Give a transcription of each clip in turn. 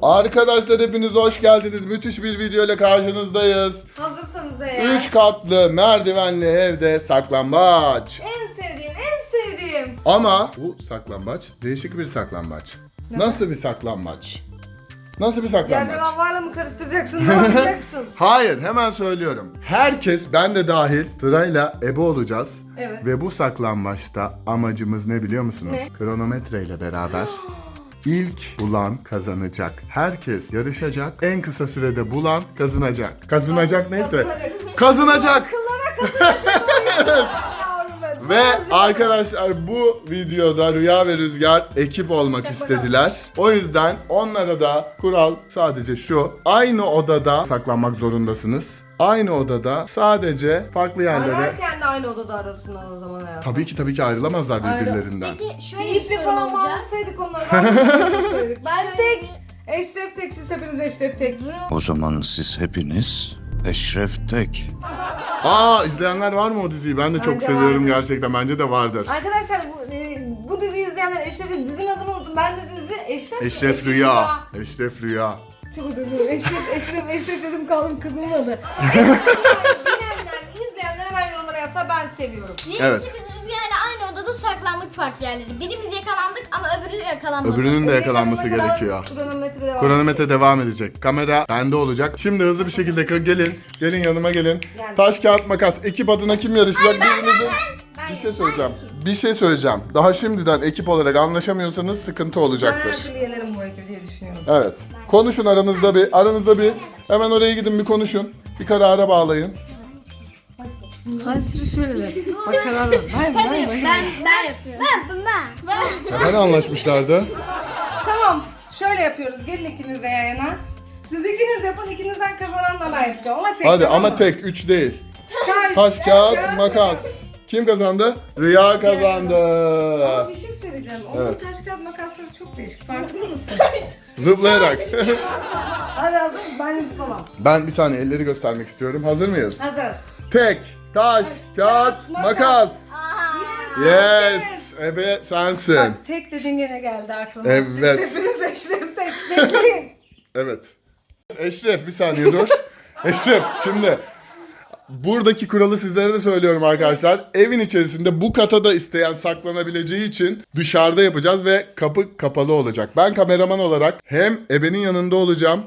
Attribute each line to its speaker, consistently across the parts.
Speaker 1: Arkadaşlar hepiniz hoş geldiniz. Müthiş bir video ile karşınızdayız.
Speaker 2: Hazırsanız eğer.
Speaker 1: 3 katlı merdivenli evde saklambaç.
Speaker 2: En sevdiğim.
Speaker 1: Ama bu saklambaç değişik bir saklambaç. Nasıl bir saklambaç? Nasıl bir saklambaç?
Speaker 2: Yerden havayla mı karıştıracaksın? Ne yapacaksın?
Speaker 1: Hayır, hemen söylüyorum. Herkes, ben de dahil, sırayla ebe olacağız.
Speaker 2: Evet.
Speaker 1: Ve bu saklambaçta amacımız ne biliyor musunuz?
Speaker 2: Ne?
Speaker 1: Kronometre ile beraber ilk bulan kazanacak. Herkes yarışacak. En kısa sürede bulan kazanacak. Kazanacak neyse. Kazanacak.
Speaker 2: Akıllara kazanacak.
Speaker 1: Ve arkadaşlar bu videoda Rüya ve Rüzgar ekip olmak istediler. O yüzden onlara da kural sadece şu. Aynı odada saklanmak zorundasınız. Aynı odada sadece farklı yerlere.
Speaker 2: Ararken de aynı odada arasınlar o zaman hayatım.
Speaker 1: Tabii ki ayrılamazlar birbirlerinden.
Speaker 3: Peki şöyle
Speaker 2: Bir
Speaker 3: bir
Speaker 2: iple
Speaker 3: sorun
Speaker 2: falan
Speaker 3: olacak.
Speaker 2: bağlasaydık onları. Ben tek. Eşref tek, siz hepiniz Eşref tek.
Speaker 4: O zaman siz hepiniz Eşref Tek.
Speaker 1: İzleyenler var mı o diziyi? Ben de çok
Speaker 2: Bence
Speaker 1: seviyorum
Speaker 2: vardır.
Speaker 1: gerçekten. Bence de vardır.
Speaker 2: Arkadaşlar bu diziyi izleyenler Eşref'in dizinin adını unuttum. Ben de dizi
Speaker 1: Eşref Rüya. Eşref Rüya.
Speaker 2: Çok özür dilerim. Eşref dedim kaldım kızımın adı. Bilenler, izleyenler hemen yorumlara yazsa ben seviyorum.
Speaker 3: Diyelim
Speaker 1: Evet.
Speaker 3: ki biz Rüzgar'la aynı odada saklandık farklı yerlere. Birimiz yakalandık ama öbürü yakalanmadı.
Speaker 1: Öbürünün de yakalanması
Speaker 2: Yakalaana kadar
Speaker 1: gerekiyor.
Speaker 2: Kronometre devam.
Speaker 1: Kronometre devam edecek. Kamera bende olacak. Şimdi hızlı bir şekilde gelin. Gelin yanıma gelin.
Speaker 2: Geldim.
Speaker 1: Taş kağıt makas. Ekip adına kim yarışacak? Birinizin... Bir şey söyleyeceğim. Daha şimdiden ekip olarak anlaşamıyorsanız sıkıntı
Speaker 2: Ben
Speaker 1: olacaktır.
Speaker 2: her türlü yenerim bu ekibi diye düşünüyorum.
Speaker 1: Evet. Konuşun aranızda bir. Hemen oraya gidin bir konuşun. Bir karara bağlayın.
Speaker 2: Hadi sürü şöyle. Bak karar ver.
Speaker 3: Ben yapıyorum. Ben.
Speaker 1: Hani anlaşmışlardı?
Speaker 2: Tamam. Şöyle yapıyoruz. Gelin ikiniz de yayına. Siz ikiniz yapın. İkinizden kazanan da ben yapacağım. Ama tek.
Speaker 1: Hadi
Speaker 2: tamam
Speaker 1: ama
Speaker 2: mı?
Speaker 1: tek 3 değil.
Speaker 2: Taş,
Speaker 1: Taş kağıt makas. Kim kazandı? Rüya kazandı.
Speaker 2: Ama bir şey söyleyeceğim. Onun
Speaker 1: Evet.
Speaker 2: taş kağıt makasları çok değişik. Farkında mısın?
Speaker 1: Zıplayarak.
Speaker 2: Hadi hazır mısın? Ben zıplamam.
Speaker 1: Ben bir saniye elleri göstermek istiyorum. Hazır mıyız?
Speaker 2: Hazır.
Speaker 1: Tek, taş, kağıt, makas. Yes. Ebe sensin.
Speaker 2: Bak tek dedin gene geldi aklıma.
Speaker 1: Evet.
Speaker 2: Siz hepiniz Eşref tek. Bekleyin.
Speaker 1: Evet. Eşref bir saniye dur. Eşref şimdi buradaki kuralı sizlere de söylüyorum arkadaşlar. Evin içerisinde bu kata da isteyen saklanabileceği için dışarıda yapacağız ve kapı kapalı olacak. Ben kameraman olarak hem ebenin yanında olacağım.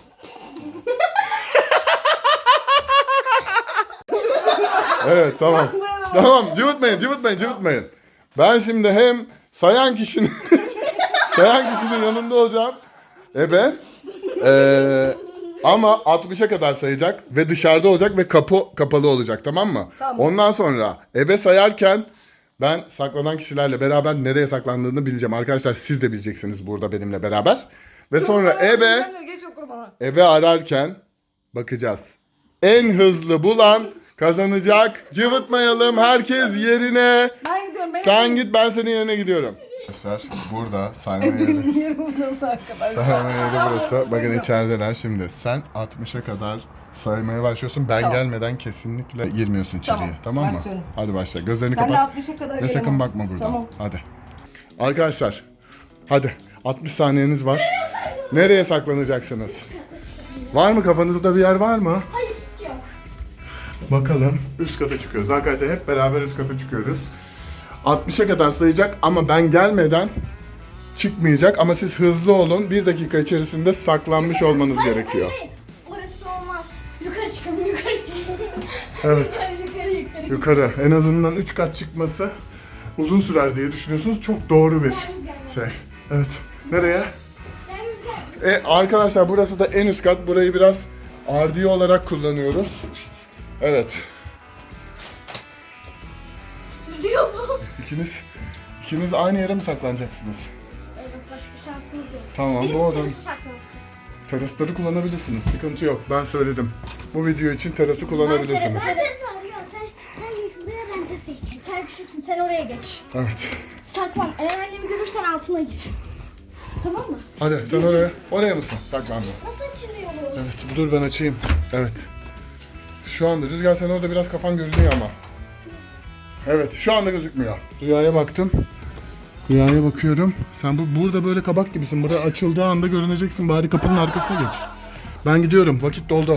Speaker 1: Evet tamam. Tamam cıvıtmayın. Ben şimdi hem sayan kişinin yanında olacağım. Ebe. Ama 60'a kadar sayacak ve dışarıda olacak ve kapı kapalı olacak, tamam mı?
Speaker 2: Tamam.
Speaker 1: Ondan sonra ebe sayarken ben saklanan kişilerle beraber nereye saklandığını bileceğim. Arkadaşlar siz de bileceksiniz burada benimle beraber. Ve sonra
Speaker 2: Geç okur bana.
Speaker 1: ebe ararken bakacağız. En hızlı bulan kazanacak. Cıvıtmayalım, herkes yerine.
Speaker 2: Ben gidiyorum.
Speaker 1: Sen git, ben senin yerine gidiyorum. Arkadaşlar burada sayma yeri.
Speaker 2: Benim yerim nasıl arkadaşlar?
Speaker 1: Sayma yeri burası. Bakın içerideler şimdi. Sen 60'a kadar saymaya başlıyorsun. Ben
Speaker 2: Tamam.
Speaker 1: gelmeden kesinlikle girmiyorsun içeriye.
Speaker 2: Tamam,
Speaker 1: Tamam mı?
Speaker 2: başlıyorum.
Speaker 1: Hadi başla. Gözlerini
Speaker 2: Sen de
Speaker 1: kapat.
Speaker 2: 60'a kadar
Speaker 1: Ve
Speaker 2: gelemem.
Speaker 1: sakın bakma buradan.
Speaker 2: Tamam.
Speaker 1: Hadi. Arkadaşlar. Hadi. 60 saniyeniz var. Nereye saklanacaksınız? Var mı kafanızda bir yer var mı?
Speaker 3: Hayır hiç yok.
Speaker 1: Bakalım. Üst kata çıkıyoruz. Arkadaşlar hep beraber üst kata çıkıyoruz. 60'a kadar sayacak ama ben gelmeden çıkmayacak. Ama siz hızlı olun. 1 dakika içerisinde saklanmış olmanız gerekiyor.
Speaker 3: Hayır. Orası olmaz. Yukarı çıkalım yukarı.
Speaker 1: Evet.
Speaker 3: Yukarı.
Speaker 1: Yukarı. En azından 3 kat çıkması uzun sürer diye düşünüyorsunuz. Çok doğru bir şey. Evet. Nereye?
Speaker 3: Ben Rüzgar.
Speaker 1: Arkadaşlar burası da en üst kat. Burayı biraz ardiye olarak kullanıyoruz. Evet.
Speaker 3: Diyor mu?
Speaker 1: İkiniz aynı yere mi saklanacaksınız?
Speaker 3: Evet başka şansımız yok.
Speaker 1: Tamam,
Speaker 3: Birisi
Speaker 1: bu odanın
Speaker 3: terası saklansın.
Speaker 1: terasları kullanabilirsiniz. Sıkıntı yok. Ben söyledim. Bu video için terası kullanabilirsiniz.
Speaker 3: Sen geç buraya ben de seçeyim. Sen küçüksün sen oraya geç.
Speaker 1: Evet.
Speaker 3: Saklan. Eğer annemi görürsen altına gir. Tamam mı?
Speaker 1: Hadi sen oraya. Oraya mısın? Saklandın.
Speaker 3: Nasıl açılıyor bu?
Speaker 1: Evet. Dur ben açayım. Evet. Şu anda Rüzgar sen orada biraz kafan görünüyor ama. Evet. Şu anda gözükmüyor. Rüyaya baktım. Rüyaya bakıyorum. Sen burada böyle kabak gibisin. Burada açıldığı anda görüneceksin. Bari kapının arkasına geç. Ben gidiyorum. Vakit doldu.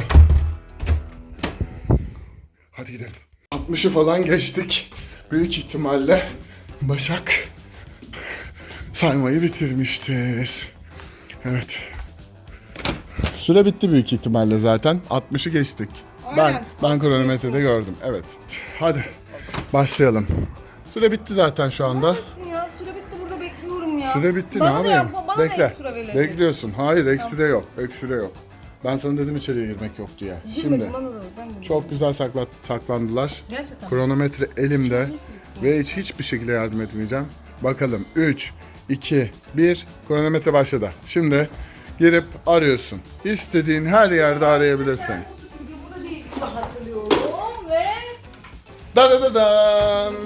Speaker 1: Hadi gidelim. 60'ı falan geçtik. Büyük ihtimalle Başak saymayı bitirmiştir. Evet. Süre bitti büyük ihtimalle zaten. 60'ı geçtik.
Speaker 2: Aynen.
Speaker 1: Ben kronometrede gördüm. Evet. Hadi başlayalım. Süre bitti zaten şu anda.
Speaker 2: Neredesin ya? Süre bitti, burada bekliyorum ya.
Speaker 1: Süre bitti,
Speaker 2: Bana
Speaker 1: ne
Speaker 2: da
Speaker 1: yapayım?
Speaker 2: yapma, bana da
Speaker 1: Bekle.
Speaker 2: ekstra verecek.
Speaker 1: Bekliyorsun. Hayır, ekstra yok. Ekstra yok. Ben sana dedim içeriye girmek yok diye. Şimdi
Speaker 2: Girmedim, bana da ver, ben de.
Speaker 1: çok güzel saklandılar.
Speaker 2: Gerçekten.
Speaker 1: Kronometre elimde ve hiçbir şekilde yardım etmeyeceğim. Bakalım 3, 2, 1 kronometre başladı. Şimdi girip arıyorsun. İstediğin her yerde arayabilirsin.
Speaker 2: Burada değil, burada hatırlıyorum ve
Speaker 1: Da da da dan.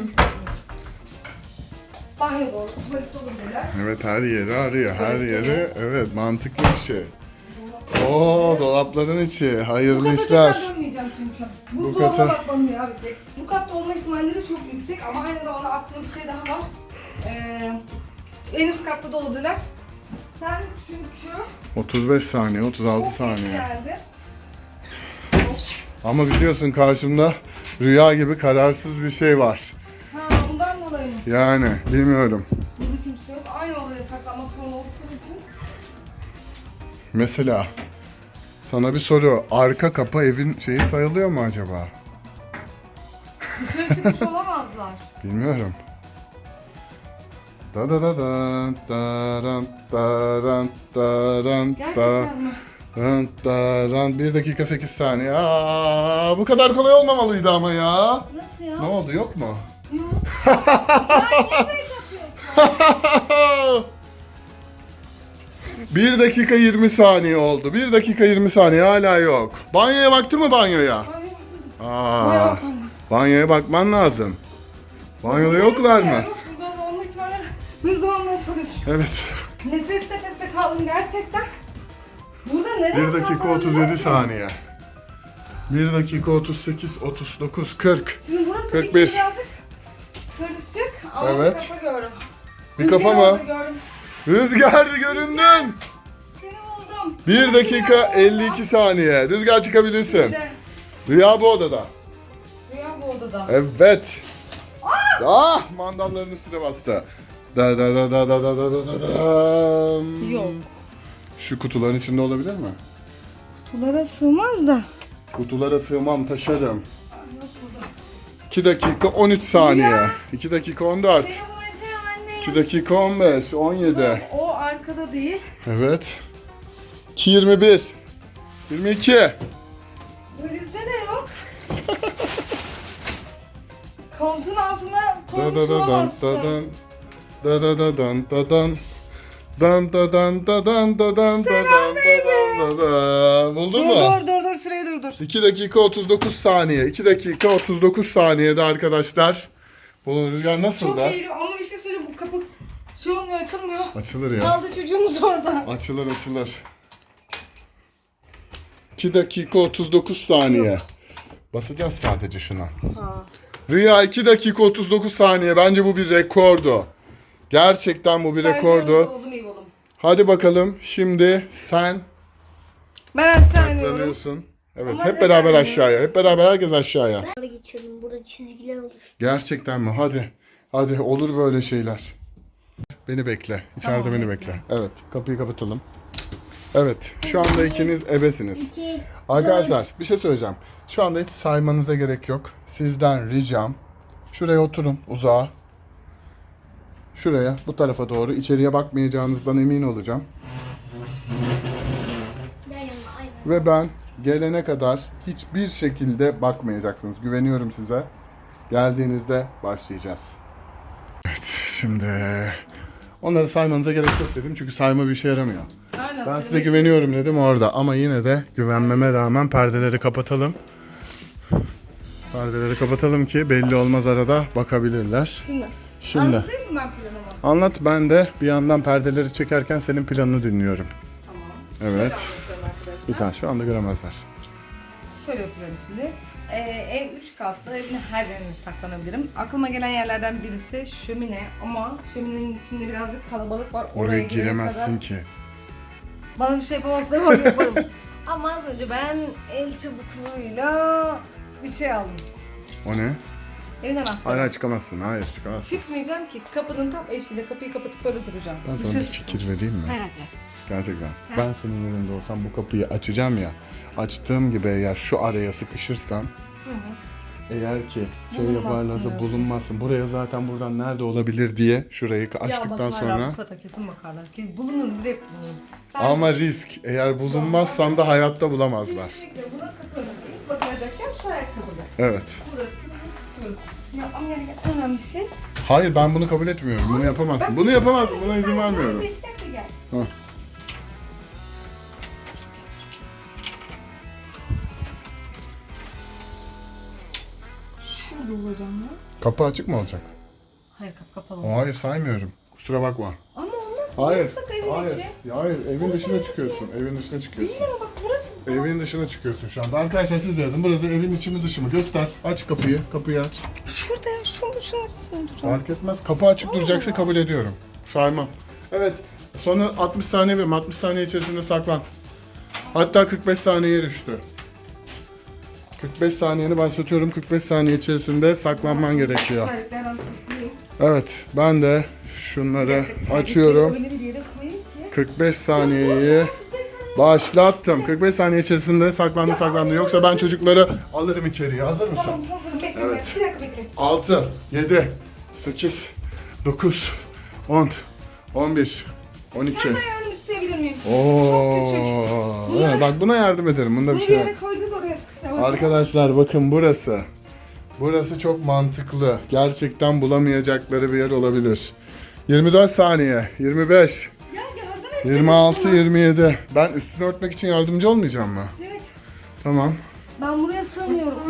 Speaker 2: banyo doğru, tuvalet olabilirler.
Speaker 1: Evet, her yeri arıyor. Her yeri. Evet, mantıklı bir şey. Oo, dolapların içi.
Speaker 2: Bu
Speaker 1: Hayırlı
Speaker 2: kata
Speaker 1: işler.
Speaker 2: tekrar dönmeyeceğim çünkü.
Speaker 1: Bu
Speaker 2: Buzdolabına
Speaker 1: kata-
Speaker 2: bakmam ya bir tek. Bu katta olma ihtimalleri çok yüksek ama aynı zamanda aklımda bir şey daha var. En üst katta da olabilirler. Sen çünkü
Speaker 1: 35 saniye, 36
Speaker 2: çok geç
Speaker 1: saniye.
Speaker 2: geldi.
Speaker 1: Ama biliyorsun karşımda rüya gibi kararsız bir şey var.
Speaker 2: Ha, bundan dolayı mı?
Speaker 1: Yani bilmiyorum.
Speaker 2: Burada kimse yok. Aynı odaya saklanmak zorunda oldukları için.
Speaker 1: Mesela sana bir soru. Arka kapı evin şeyi sayılıyor mu acaba?
Speaker 2: Dışarı çıkmış olamazlar.
Speaker 1: Bilmiyorum. Da da da da daran daran daran
Speaker 2: Gerçekten mi?
Speaker 1: daran daran 1 dakika 8 saniye. Aa, bu kadar kolay olmamalıydı ama ya.
Speaker 2: Nasıl ya?
Speaker 1: Ne oldu, yok mu?
Speaker 2: Yok. Ya niye böyle yapıyorsun?
Speaker 1: 1 dakika 20 saniye oldu. 1 dakika 20 saniye hala yok. Banyoya baktı mı banyoya?
Speaker 2: Ay, bakmadım.
Speaker 1: Aa, banyoya bakman lazım. Banyoda yoklar mı?
Speaker 2: Yok, burada da olma ihtimalleri bir zamanla çalışıyor.
Speaker 1: Evet.
Speaker 2: Nefes nefese kaldım gerçekten. Burada nereye
Speaker 1: 1 dakika
Speaker 2: saklanabilirim
Speaker 1: 37
Speaker 2: ki?
Speaker 1: saniye. 1 dakika 38, 39, 40.
Speaker 2: Şimdi burası
Speaker 1: 41.
Speaker 2: birazcık karışık ama
Speaker 1: Evet.
Speaker 2: bir kafa gördüm.
Speaker 1: Bir kafa
Speaker 2: Rüzgar
Speaker 1: mı?
Speaker 2: oldu, gördüm.
Speaker 1: Rüzgar göründün.
Speaker 2: Seni buldum.
Speaker 1: 1 dakika 52 saniye. Rüzgar çıkabilirsin.
Speaker 2: Bir de
Speaker 1: Rüya bu odada.
Speaker 2: Rüya bu odada.
Speaker 1: Evet. Ah, mandalların üstüne bastı. Da da da da da da da da da da.
Speaker 2: Yok.
Speaker 1: Şu kutuların içinde olabilir mi?
Speaker 2: Kutulara sığmaz da.
Speaker 1: Kutulara sığmam, taşırım.
Speaker 2: Yok burada.
Speaker 1: 2 dakika 13 saniye. 2 dakika 14.
Speaker 2: Seni bulacağım anne.
Speaker 1: 2 dakika 15, 17.
Speaker 2: O arkada değil.
Speaker 1: Evet. 2 21. 22.
Speaker 2: Valizde de yok. Koltuğun altına
Speaker 1: Da
Speaker 2: koymuş
Speaker 1: da da dan
Speaker 2: olamazsın.
Speaker 1: da dan. Da da da dan da dan. Dan da dan da dan da dan da dan da dan. Buldun mu?
Speaker 2: Dur süreyi durdur.
Speaker 1: 2 dakika 39 saniye. 2 dakika 39 saniyede arkadaşlar. Bu rüzgar nasıl
Speaker 2: Çok
Speaker 1: da?
Speaker 2: iyiydi ama bir şey söyleyeyim, bu kapı şey olmuyor, açılmıyor.
Speaker 1: Açılır ya.
Speaker 2: Kaldı çocuğumuz orada.
Speaker 1: Açılır. 2 dakika 39 saniye. Basacağız sadece şuna.
Speaker 2: Ha.
Speaker 1: Rüya 2 dakika 39 saniye. Bence bu bir rekordu. Gerçekten bu bir rekordu.
Speaker 2: Oldum iyi oldum.
Speaker 1: Hadi bakalım. Şimdi sen
Speaker 2: Ben aşağı iniyorum.
Speaker 1: saklanıyorsun. Evet,
Speaker 2: Ama
Speaker 1: hep
Speaker 2: neden
Speaker 1: beraber
Speaker 2: iniyoruz?
Speaker 1: aşağıya. Hep beraber herkes aşağıya.
Speaker 3: Burada geçelim. Burada çizgiler oluştu.
Speaker 1: Gerçekten mi? Hadi. Hadi, olur böyle şeyler. Beni bekle. İçeride
Speaker 2: Tamam,
Speaker 1: beni
Speaker 2: bekle.
Speaker 1: bekle. Evet, kapıyı kapatalım. Evet, şu anda ikiniz ebesiniz.
Speaker 3: 2,
Speaker 1: Arkadaşlar bir şey söyleyeceğim. Şu anda hiç saymanıza gerek yok. Sizden ricam şuraya oturun, uzağa. Şuraya, bu tarafa doğru. İçeriye bakmayacağınızdan emin olacağım.
Speaker 3: yan yana aynen.
Speaker 1: Ve ben gelene kadar hiçbir şekilde bakmayacaksınız. Güveniyorum size. Geldiğinizde başlayacağız. Evet, şimdi onları saymanıza gerek yok dedim. Çünkü sayma bir işe yaramıyor.
Speaker 2: Aynen.
Speaker 1: Ben size güveniyorum dedim orada. Ama yine de güvenmeme rağmen perdeleri kapatalım. Perdeleri kapatalım ki belli olmaz, arada bakabilirler. Şimdi
Speaker 2: Anlatayım mı ben planımı?
Speaker 1: anlat, ben de bir yandan perdeleri çekerken senin planını dinliyorum.
Speaker 2: Tamam.
Speaker 1: Evet.
Speaker 2: Şöyle anlatıyorum arkadaşlar.
Speaker 1: Lütfen, şu anda göremezler.
Speaker 2: Şöyle yapacağım şimdi. Ev 3 katlı, evin her yerine saklanabilirim. Aklıma gelen yerlerden birisi şömine ama şöminenin içinde birazcık kalabalık var.
Speaker 1: Oraya
Speaker 2: girene
Speaker 1: giremezsin
Speaker 2: kadar
Speaker 1: ki.
Speaker 2: bana bir şey yapamazsam onu yaparım. Ama az önce ben el çabukluğuyla bir şey aldım.
Speaker 1: O ne?
Speaker 2: Evin anahtarı.
Speaker 1: Hayır çıkamazsın. Hayır çıkamazsın.
Speaker 2: Çıkmayacağım ki. Kapının tam eşiğiyle kapıyı kapatıp böyle duracağım.
Speaker 1: Ben sana bir fikir vereyim mi?
Speaker 2: Herhalde.
Speaker 1: Gerçekten. Ben senin yerinde olsam bu kapıyı açacağım ya. Açtığım gibi eğer şu araya sıkışırsam eğer ki şey
Speaker 2: Bulunmazsın
Speaker 1: yaparlarsa
Speaker 2: diyorsun.
Speaker 1: bulunmazsın. Buraya zaten buradan nerede olabilir diye şurayı açtıktan sonra.
Speaker 2: bu kata kesin bakarlar. Bulunur, direkt bulunur. Ben
Speaker 1: Ama risk. Eğer bulunmazsam da hayatta bulamazlar.
Speaker 2: kesinlikle buna katılırım. İlk bakılacak yer şu ayakkabıda.
Speaker 1: Evet.
Speaker 2: Burasını tutuyorum. Yapmam gereken en önemli şey.
Speaker 1: Hayır ben bunu kabul etmiyorum. Bunu yapamazsın. Bunu yapamazsın. Buna izin vermiyorum.
Speaker 2: Bir dakika gel.
Speaker 1: Hah.
Speaker 2: Şurada olacağım ya.
Speaker 1: Kapı açık mı olacak?
Speaker 2: Hayır kapalı olacak.
Speaker 1: Hayır saymıyorum. Kusura bakma.
Speaker 2: Ama olmaz.
Speaker 1: Hayır.
Speaker 2: Burası evin
Speaker 1: Hayır.
Speaker 2: içi.
Speaker 1: Hayır. Evin dışına çıkıyorsun. Evin dışına çıkıyorsun.
Speaker 2: Değil ama bak burası.
Speaker 1: Evin dışına çıkıyorsun şu anda. Arkadaşlar siz de yazın. Burası evin içi mi dışı mı? Göster. Aç kapıyı. Kapıyı aç.
Speaker 2: Şurada ya. Şunun duracağım.
Speaker 1: Fark etmez. Kapı açık duracaksa kabul ediyorum. Saymam. Evet. Sonra 60 saniye verim. 60 saniye içerisinde saklan. Hatta 45 saniyeye düştü. 45 saniyeni başlatıyorum. 45 saniye içerisinde saklanman gerekiyor.
Speaker 2: Terliklerden kurtulayım.
Speaker 1: Evet. Ben de şunları açıyorum.
Speaker 2: Öyle bir yere koyayım ki.
Speaker 1: 45 saniyeyi başlattım. 45 saniye içerisinde saklandı. Yoksa ben çocukları alırım içeriye. Hazır mısın?
Speaker 2: Tamam hazırım. Bekle.
Speaker 1: Evet.
Speaker 2: Bir dakika bekle.
Speaker 1: 6, 7, 8, 9, 10, 11, 12.
Speaker 2: Senden yardım isteyebilir miyim?
Speaker 1: Oo.
Speaker 2: Çok küçük.
Speaker 1: Evet, bak buna yardım ederim. Bunda bir
Speaker 2: Bunu bir
Speaker 1: şey yok.
Speaker 2: yere koyacağız oraya sıkışacağım.
Speaker 1: Arkadaşlar bakın burası. Burası çok mantıklı. Gerçekten bulamayacakları bir yer olabilir. 24 saniye, 25,
Speaker 2: Ya yardım et.
Speaker 1: 26, 27. Ben üstünü örtmek için yardımcı olmayacağım mı?
Speaker 2: Evet.
Speaker 1: Tamam.
Speaker 2: Ben buraya sığmıyorum.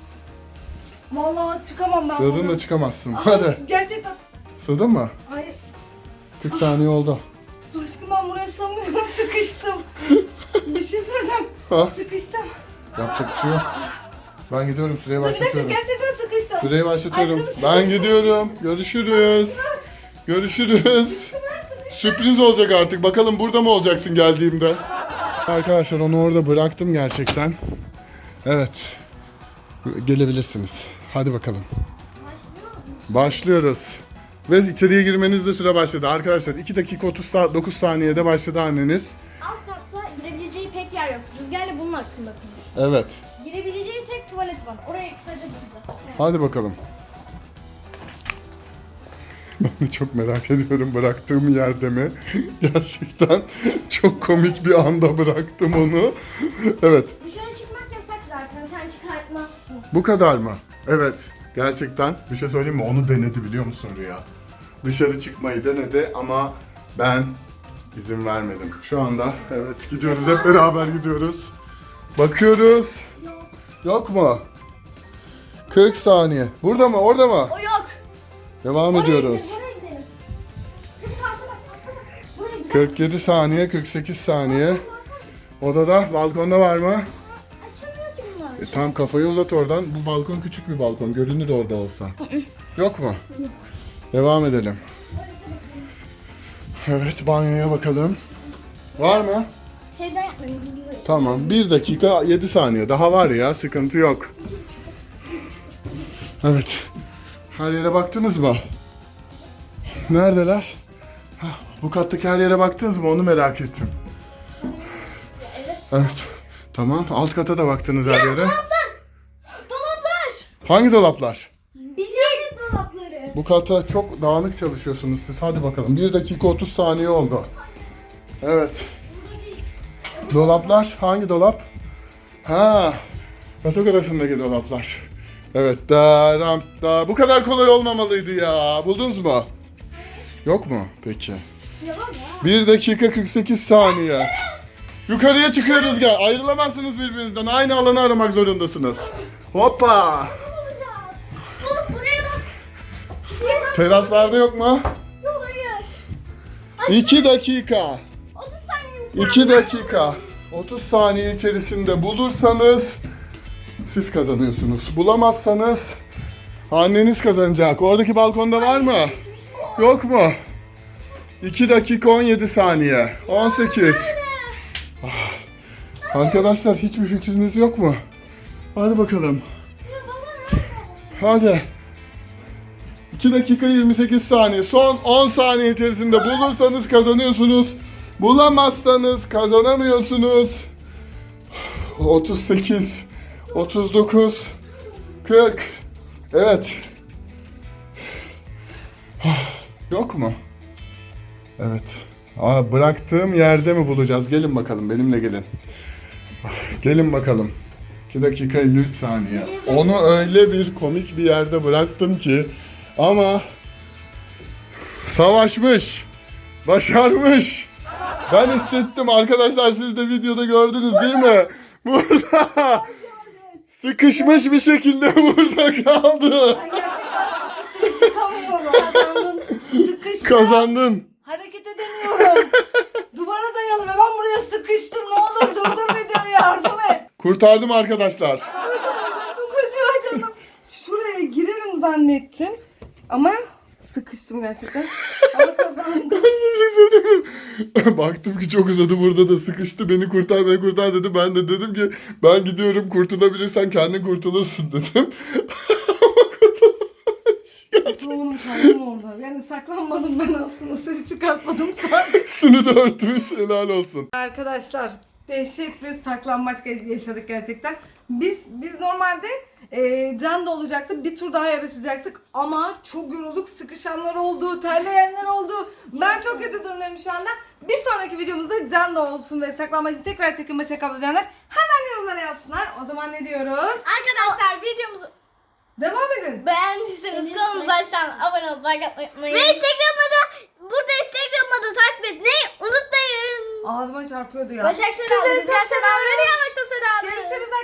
Speaker 2: Vallahi çıkamam ben
Speaker 1: Sığdın
Speaker 2: buradan.
Speaker 1: da çıkamazsın.
Speaker 2: Ay,
Speaker 1: Hadi.
Speaker 2: Gerçekten.
Speaker 1: Sığdın mı?
Speaker 2: Hayır.
Speaker 1: 40 saniye oldu.
Speaker 2: Aşkım ben buraya sığmıyorum. Sıkıştım. Bir şey söyleyeceğim.
Speaker 1: Ha?
Speaker 2: Sıkıştım.
Speaker 1: Yapacak bir şey yok. Ben gidiyorum. Süreyi
Speaker 2: Bir dakika
Speaker 1: başlatıyorum.
Speaker 2: gerçekten sıkıştım.
Speaker 1: Süreyi başlatıyorum.
Speaker 2: Aşkım,
Speaker 1: Ben
Speaker 2: sıkıştım.
Speaker 1: gidiyorum. Görüşürüz. Görüşürüz. Sürpriz olacak artık. Bakalım burada mı olacaksın geldiğimde? Arkadaşlar onu orada bıraktım gerçekten. Evet. Gelebilirsiniz. Hadi bakalım. Başlıyoruz. Ve içeriye girmenizde süre başladı. Arkadaşlar 2 dakika 39 saniyede başladı anneniz.
Speaker 3: Alt katta girebileceği pek yer yok. Rüzgar'la bunun hakkında konuş.
Speaker 1: Evet.
Speaker 3: Girebileceği tek tuvalet var. Oraya kısaca bakacağız.
Speaker 1: Hadi bakalım. Ben de çok merak ediyorum bıraktığım yerde mi? Gerçekten çok komik bir anda bıraktım onu. Evet.
Speaker 3: Dışarı çıkmak yasak zaten. Sen çıkartmazsın.
Speaker 1: Bu kadar mı? Evet. Gerçekten bir şey söyleyeyim mi? Onu denedi biliyor musun Rüya? Dışarı çıkmayı denedi ama ben izin vermedim. Şu anda evet gidiyoruz. Hep beraber gidiyoruz. Bakıyoruz. Yok mu? 40 saniye. Burada mı? Orada mı?
Speaker 3: O yok.
Speaker 1: Devam ediyoruz.
Speaker 3: Oraya gidelim. Kız tahta bak. Buraya gidelim.
Speaker 1: 47 saniye, 48 saniye. Odada, balkonda var mı?
Speaker 3: Açılmıyor ki bunlar.
Speaker 1: Tam kafayı uzat oradan. Bu balkon küçük bir balkon. Görünür orada olsa. Yok mu? Devam edelim. Evet, banyoya bakalım. Var mı?
Speaker 3: Heyecan yapmayın hızlı.
Speaker 1: Tamam. 1 dakika 7 saniye. Daha var ya. Sıkıntı yok. Evet. Her yere baktınız mı? Neredeler? Hah, bu kattaki her yere baktınız mı? Onu merak ettim. Evet. Tamam. Alt kata da baktınız her yere.
Speaker 3: Dolaplar.
Speaker 1: Hangi dolaplar?
Speaker 3: Bizim dolapları.
Speaker 1: Bu kata çok dağınık çalışıyorsunuz siz. Hadi bakalım. 1 dakika 30 saniye oldu. Evet. Dolaplar. Hangi dolap? Ha. Yatak odasındaki dolaplar. Evet. Da. Bu kadar kolay olmamalıydı ya. Buldunuz mu? Yok mu? Peki.
Speaker 3: Yalan ya.
Speaker 1: 1 dakika 48 saniye. Yukarıya çıkıyoruz gel. Ayrılamazsınız birbirinizden. Aynı alanı aramak zorundasınız. Hoppa.
Speaker 3: Bulacağız. Buraya bak.
Speaker 1: Teraslarda yok mu?
Speaker 3: Yok hayır.
Speaker 1: 2 dakika.
Speaker 3: 30 saniyemiz var.
Speaker 1: 2 dakika. 30 saniye içerisinde bulursanız siz kazanıyorsunuz. Bulamazsanız anneniz kazanacak. Oradaki balkonda var mı? Yok mu? 2 dakika 17 saniye. 18. Arkadaşlar hiçbir fikriniz yok mu? Hadi bakalım. Hadi. 2 dakika 28 saniye. Son 10 saniye içerisinde bulursanız kazanıyorsunuz. Bulamazsanız kazanamıyorsunuz. 38, 39, 40. Evet. Yok mu? Evet. Bıraktığım yerde mi bulacağız? Gelin bakalım, benimle gelin. Gelin bakalım. 2 dakika 53 saniye. Onu öyle bir komik bir yerde bıraktım ki ama savaşmış. Başarmış. Ben hissettim arkadaşlar, siz de videoda gördünüz değil mi? Burada sıkışmış bir şekilde burada kaldı.
Speaker 2: Ben gerçekten çıkamıyorum.
Speaker 3: Kazandın.
Speaker 2: Sıkıştım.
Speaker 1: Kazandın.
Speaker 2: Hareket edemiyorum. Duvara dayalı ve ben buraya sıkıştım. Ne olur durdur videoyu, yardım et.
Speaker 1: Kurtardım arkadaşlar.
Speaker 2: Çok acıyor canım. Şuraya girerim zannettim. Ama sıkıştım gerçekten. Ama kazandım.
Speaker 1: Baktım ki çok uzadı, burada da sıkıştı. Beni kurtar, beni kurtar dedi. Ben de dedim ki ben gidiyorum, kurtulabilirsen kendin kurtulursun dedim. Ama kurtulamamış.
Speaker 2: Oğlum kaldım orada. Yani saklanmadım ben aslında. Ses çıkartmadım sadece.
Speaker 1: Üstünü de örtmüş, helal olsun.
Speaker 2: Arkadaşlar dehşet bir saklanmaç yaşadık gerçekten. Biz normalde Can da olacaktı. Bir tur daha yarışacaktık. Ama çok yorulduk. Sıkışanlar oldu. Terleyenler oldu. Ben çok kötü durumdayım şu anda. Bir sonraki videomuzda Can da olsun ve saklanmacı tekrar çekim maçı kabul edenler hemen yorumlara yazsınlar. O zaman ne diyoruz?
Speaker 3: Arkadaşlar videomuzu
Speaker 2: Devam edin.
Speaker 3: beğendiyseniz kanalımıza aşağıdan abone olup like atmayı unutmayın.
Speaker 5: Ve Instagram'da takip etmeyi unutmayın.
Speaker 2: Ağzıma çarpıyordu ya.
Speaker 3: Başak Seda,
Speaker 2: Sizleri
Speaker 3: Rüzgar
Speaker 2: çok
Speaker 3: Seda,
Speaker 2: seviyorum.
Speaker 3: Rüzgar Seda.
Speaker 2: Görüşürüz